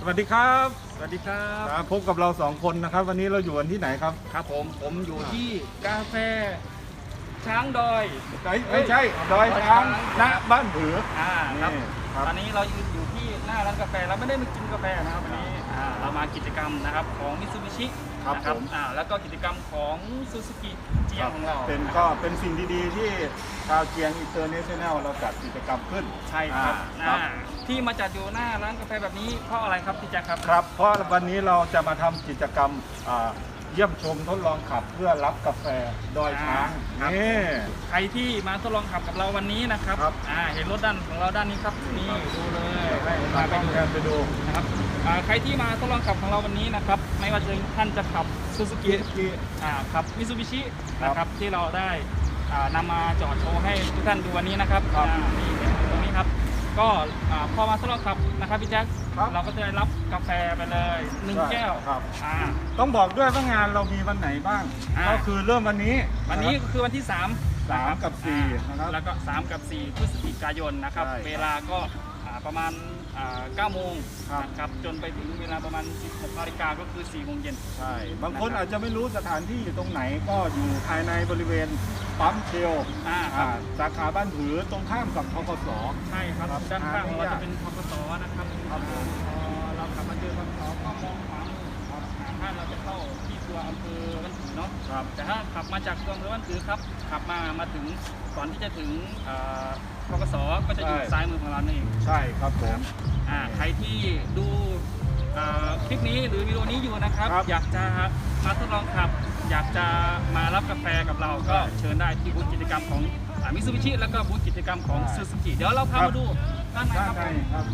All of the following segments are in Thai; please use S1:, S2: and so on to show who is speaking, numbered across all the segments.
S1: วัสดีครับ
S2: สวัสดีครับ
S1: พบกับเรา2คนนะครับวันนี้เราอยู่กันที่ไหนครับ
S2: ครับผมอยู่ที่กาแฟช้างดอย
S1: ไม่ใช่ดอยช้างณบ้านผือ
S2: ครับ
S1: ครับ
S2: ตอนนี้เราอยู่ที่หน้าร้านกาแฟเราไม่ได้มากินกาแฟนะครับวันนี้เรามากิจกรรมนะครับของมิตซูบิชินะครับแล้วก็กิจกรรมของซูซูกิเจียงของเรา
S1: เป็นสิ่งดีๆที่ชาวเจียงอินเตอร์เนชั่นแนลเราจัดกิจกรรมขึ้น
S2: ใช่ครับที่มาจัดอยู่หน้าร้านกาแฟแบบนี้เพราะอะไรครับพี่แจ๊คครับ
S1: ครับเพราะวันนี้เราจะมาทำกิจกรรมเยี่ยมชมทดลองขับเพื่อรับกาแฟดอยช้างนี่
S2: ใครที่มาทดลองขับกับเราวันนี้นะครับเห็นรถด้านของเราด้านนี้ครับนี่ดูเลย
S1: มาไปดู
S2: นะครับใครที่มาทดลองขับของเราวันนี้นะครับไม่ว่าจะท่านจะขับซูซูกิขับมิตซูบิชินะครับที่เราได้นำมาจอดโชว์ให้ทุกท่านดูวันนี้นะครับนี่ตรงนี้ครับก็พอมาทดลองขับนะครับพี่แจ๊คเราก็จะได้รับกาแฟไปเลย1 แก้ว
S1: ต้องบอกด้วยว่างานเรามีวันไหนบ้างก็คือเริ่มวันนี้
S2: ก็คือวันที่
S1: 3กับ4นะครับ
S2: แล้วก็3กับ4พฤศจิกายนนะครับเวลาก็ประมาณ9 โมงนะครับจนไปถึงเวลาประมาณ16 นาฬิกาก็คือ4 โมงเย็น
S1: ใช่บางคนอาจจะไม่รู้สถานที่อยู่ตรงไหนก็อยู่ภายในบริเวณปั๊มเชลสาขาบ้านผือตรงข้ามกับธกส.
S2: ใช่ครับด้านข้างของเราจะเป็นธกส.นะครับเราขับมาเจอธกส.ก็มองขวามือถ้าเราจะเข้าที่ตัวอำเภอบ้านผือเนาะแต่ถ้าขับมาจากตัวอำเภอบ้านผือครับขับมาถึงก่อนที่จะถึงธกส.ก็จะอยู่ซ้ายมือของเราเอง
S1: ใช่ครับผม
S2: ใครที่ดูคลิปนี้หรือวิดีโอนี้อยู่นะครับอยากจะมาทดลองขับอยากจะมารับกาแฟกับเราก็เชิญได้ที่บูธกิจกรรมของมิตซูบิชิแล้วก็บูธกิจกรรมของซูซูกิเดี๋ยวเราพามาดูด้านในครับ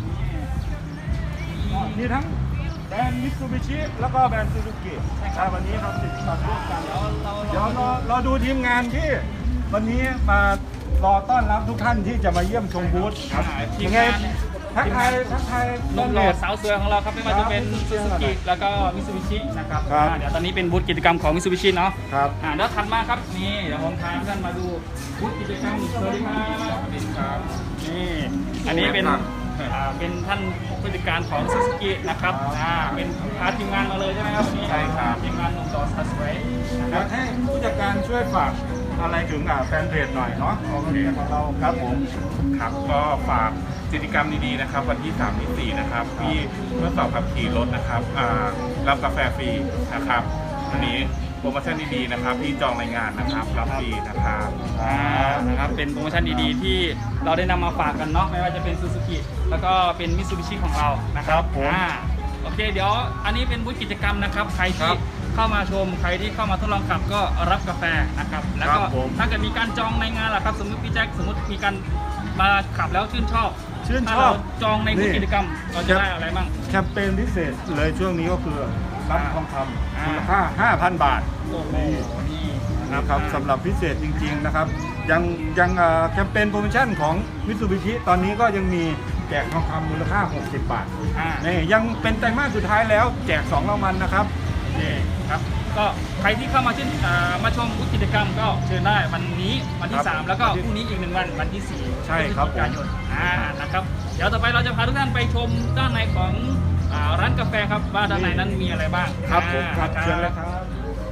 S1: มีทั้งแบรนด์มิตซูบิชิแล้วก็แบรนด์ซูซูกิวันนี้ครับติดต่อร่วมกันเดี๋ยวเราดูทีมงานที่วันนี้มารอต้อนรับทุกท่านที่จะมาเยี่ยมชมบูธ
S2: ยังไงทักทายนุ่มหล่อสาวสวยของเราครับไม่ว่าจะเป็นซูซูกิแล้วก็มิตซูบิชินะครับเดี๋ยวตอนนี้เป็นบูธกิจกรรมของมิตซูบิชิเนาะเดี๋ยวถัดมาครับนี่เดี๋ยวผมพาท่านมาดูบูธกิจกรรมสวัสดีครับนี่อันนี้เป็นท่านผู้จัดการของซูซูกินะครับเป็นพาทีมงานมาเลยใช่ไหมครับ
S1: ใช่ครับ
S2: ทีมงานนุ่มหล่อสาวสวย
S1: อยากให้ผู้จัดการช่วยฝากอะไรถึงแฟนเพจหน่อยเนาะโอเคของเราครับผม
S3: ครับก็ฝากกิจกรรมดีๆนะครับวันที่3 ที่ 4นะครับที่ทดสอบขับขี่รถนะครับรับกาแฟฟรีนะครับวันนี้โปรโมชั่นดีๆนะครับที่จองรายงานนะครับรับฟรีนะครับ
S2: เป็นโปรโมชั่นดีๆที่เราได้นำมาฝากกันเนาะไม่ว่าจะเป็นซูซูกิแล้วก็เป็นมิตซูบิชิของเรานะครับโอเคเดี๋ยวอันนี้เป็นบูธกิจกรรมนะครับใครที่เข้ามาชมใครที่เข้ามาทดลองขับก็รับกาแฟนะครับแล้วก็ถ้าเกิดมีการจองในงานล่ะครับสมมติพี่แจ็คสมมติมีการมาขับแล้วชื่นชอบจองในบูธกิจกรรมเราจะได้อะไรบ้าง
S1: แคมเปญพิเศษเลยช่วงนี้ก็คือรับทองคำมูลค่า 5,000 บาทนี่นะครับสำหรับพิเศษจริงๆนะครับยังแคมเปญโปรโมชั่นของมิตซูบิชิตอนนี้ก็ยังมีแจกทองคำมูลค่า60 บาทนี่ยังเป็นไตรมาสสุดท้ายแล้วแจก2 รางวัลนะครับ
S2: นี่ครับก็ใครที่เข้ามามาชมกิจกรรมก็เชิญได้วันนี้วันที่3แล้วก็พรุ่งนี้อีก1 วันวันที่4
S1: ใช่ครับ
S2: กันยายนนะครับเดี๋ยวต่อไปเราจะพาทุกท่านไปชมด้านในของร้านกาแฟครับว่าด้านในนั้นมีอะไรบ้าง
S1: ครับผมครับเชิญเลยครับ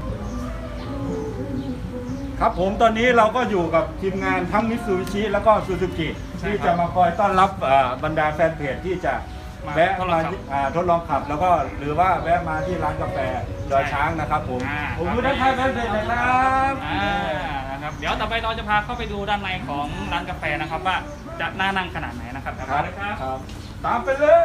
S1: ครับผมตอนนี้เราก็อยู่กับทีมงานทั้งมิตซูบิชิแล้วก็ซูซูกิที่จะมาคอยต้อนรับบรรดาแฟนเพจที่จะแวะมาทดลองขับแล้วก็หรือว่าแวะมาที่ร้านกาแฟดอยช้างนะครับผมอยู่ด้านท้ายแฟนเพจนะครับ
S2: เดี๋ยวต่อไปเราจะพาเข้าไปดูด้านในของร้านกาแฟนะครับว่าจะน่านั่งขนาดไหนนะครับ
S1: ครับตามไปเลย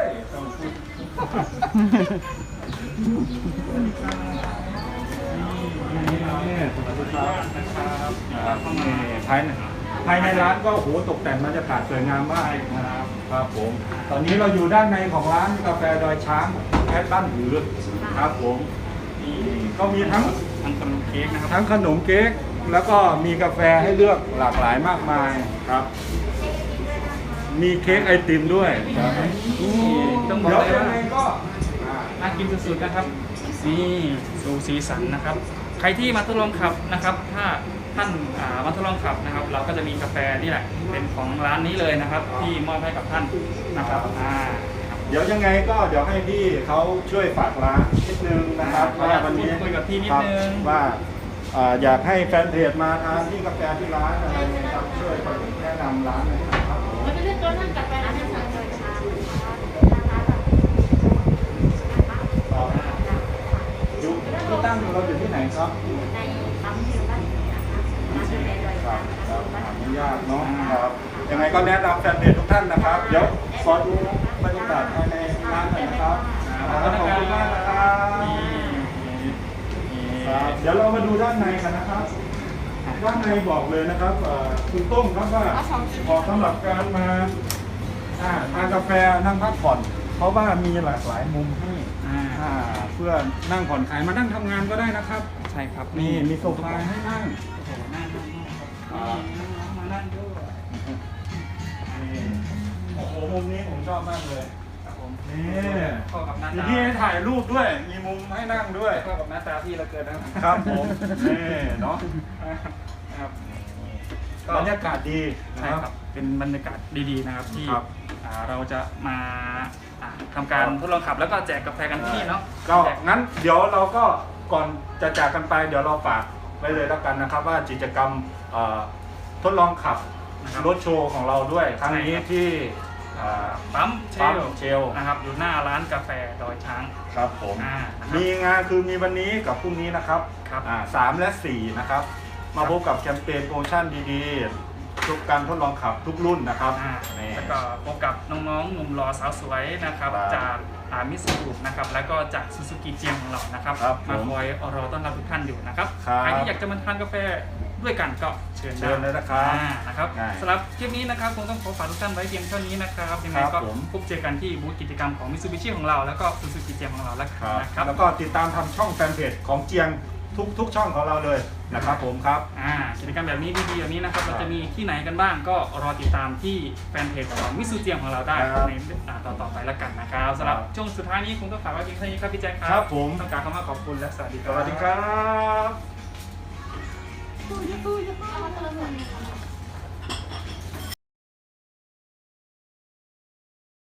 S1: ภายในร้านก็โหตกแต่งบรรยากาศสวยงามมากครับผมตอนนี้เราอยู่ด้านในของร้านกาแฟดอยช้างแคทบ้านผือครับผมนี่ก็มีทั้ง
S2: ขนมเค้กนะครับ
S1: ทั้งขนมเค้กแล้วก็มีกาแฟให้เลือกหลากหลายมากมายครับมีเค้กไอติมด้วย
S2: ต้องบอกเลยว่าก็น่ากินสุดๆนะครับนี่ดูสีสันนะครับใครที่มาทดลองขับนะครับถ้าท่านมาทดลองขับนะครับเราก็จะมีกาแฟนี่แหละเป็นของร้านนี้เลยนะครับที่มอบให้กับท่านนะครับ
S1: เดี๋ยวยังไงก็เดี๋ยวให้พี่เขาช่วยฝากร้านนิดนึงนะครับว่าวันนี้
S2: คุยกับพี่นิดนึง
S1: ว่าอยากให้แฟนเพจมาทานที่กาแฟที่ร้านอะไรเงี้ยครับช่วยแนะนำร้านหน่อยครับผม
S4: มันจะเลือกตัวนั่งกับไปร้านอาหารเลยค่ะ
S1: อยู่ที่ตั้งเราอยู่ที่ไหนครับ
S4: ในปั๊มอยู่บ้านนะคะร้านกาแฟดอย
S1: ครั
S4: ช้า
S1: บ
S4: ง
S1: ครับอนุญาตเนาะครับยังไงก็แนะนำแฟนเพจทุกท่านนะครับ เดี๋ยวขอดูบรรยากาศภายในร้านหน่อยนะครับขอบคุณมากนะครับครับเดี๋ยวเรามาดูด้านในกันนะครับด้านในบอกเลยนะครับคุณต้มครับว่าเหมาะสำหรับการมาทานกาแฟนั่งพักผ่อนเพราะว่ามีหลากหลายมุมให้เพื่อนั่งผ่อนคลายมานั่งทำงานก็ได้นะครับ
S2: ใช่ครับ
S1: นี่มีโซฟาให้นั่ง
S2: โอ้โหนั่งครับนี่น้องๆมานั่งด้วย
S1: โอ้โหมุมนี้ผมชอบมากเลย
S2: ครับผม
S1: นี่
S2: เข้ากับหน้า
S1: มี
S2: ตา
S1: ที่ให้ถ่ายรูปด้วย มีมุมให้นั่งด้วย
S2: เข้ากับหน้าตาพี่เราเกินนะครับ
S1: ครับผมนี่เนาะ
S2: ครับ
S1: บรรยากาศดีนะ
S2: ใช่
S1: ครับ
S2: ครับ เป็นบรรยากาศดีๆนะครับที่
S1: ครับ
S2: เราจะมาทำการทดลองขับแล้วก็แจกกาแฟกันที่นี่เนาะ
S1: ก็
S2: แจก
S1: งั้นเดี๋ยวเราก็ก่อนจะจากกันไป เดี๋ยวเราฝากไว้เลยแล้วกันนะครับ ว่ากิจกรรมทดลองขับ
S2: นะครับ
S1: รถโชว์ของเราด้วยครั้งนี้
S2: ใช่ครับ
S1: ที่
S2: ปั๊มเช
S1: ปั๊ม
S2: ล
S1: เชล
S2: นะครับอยู่หน้าร้านกาแฟดอยช้าง
S1: ครับผม
S2: นะครับ
S1: มีงานคือมีวันนี้กับพรุ่งนี้นะครับ
S2: ครับ
S1: 3 และ 4 นะครับ มาพบกับแคมเปญโปรโมชั่นดีๆ ทุกการทดลองขับทุกรุ่นนะครับนี่
S2: แล้วก็พบกับน้องๆหนุ่มหล่อสาวสวยนะครับ
S1: ครับ
S2: จากมิสซูรุนะครับแล้วก็จากซูซูกิเจียงของเรานะครับ
S1: ครับผม
S2: มาคอยรอต้อนรับทุกท่านอยู่นะครับ
S1: ครับ
S2: ใครที่อยากจะมาทานกาแฟด้วยกันก็เชิญ
S1: เชิญเลยนะครับ
S2: นะครับ
S1: ได้
S2: สำหรับคลิปนี้นะครับคงต้องขอฝากทุกท่านไว้เพียงเท่านี้นะครับยังไง
S1: ครับ
S2: ก็
S1: ผม
S2: พบเจอกันที่บูธกิจกรรมของมิ t ซูบิชิของเราแล้วก็ซูซูกิเจียงของเราแล้วกัน
S1: ครับ
S2: นะครับ
S1: แล้วก็ติดตามทำช่องแฟนเพจของเจียงทุกช่องของเราเลยนะครับผมครับ
S2: กิจกรรมแบบนี้ดีๆแบบนี้นะครับเราจะมีที่ไหนกันบ้างก็รอติดตามที่แฟนเพจของมิซูเจียงของเราได้
S1: ครับ
S2: ในต่อไปแล้วกันนะครับสำหรับช่วงสุดท้ายนี้คงต้องฝากไว้เพียงเท่านี้ครับพี่แจ็คครั
S1: ครับผม
S2: ต้องการคำว่าขอบคุณและสวัสดีค
S1: ส
S2: รับ
S1: วัสดีครับ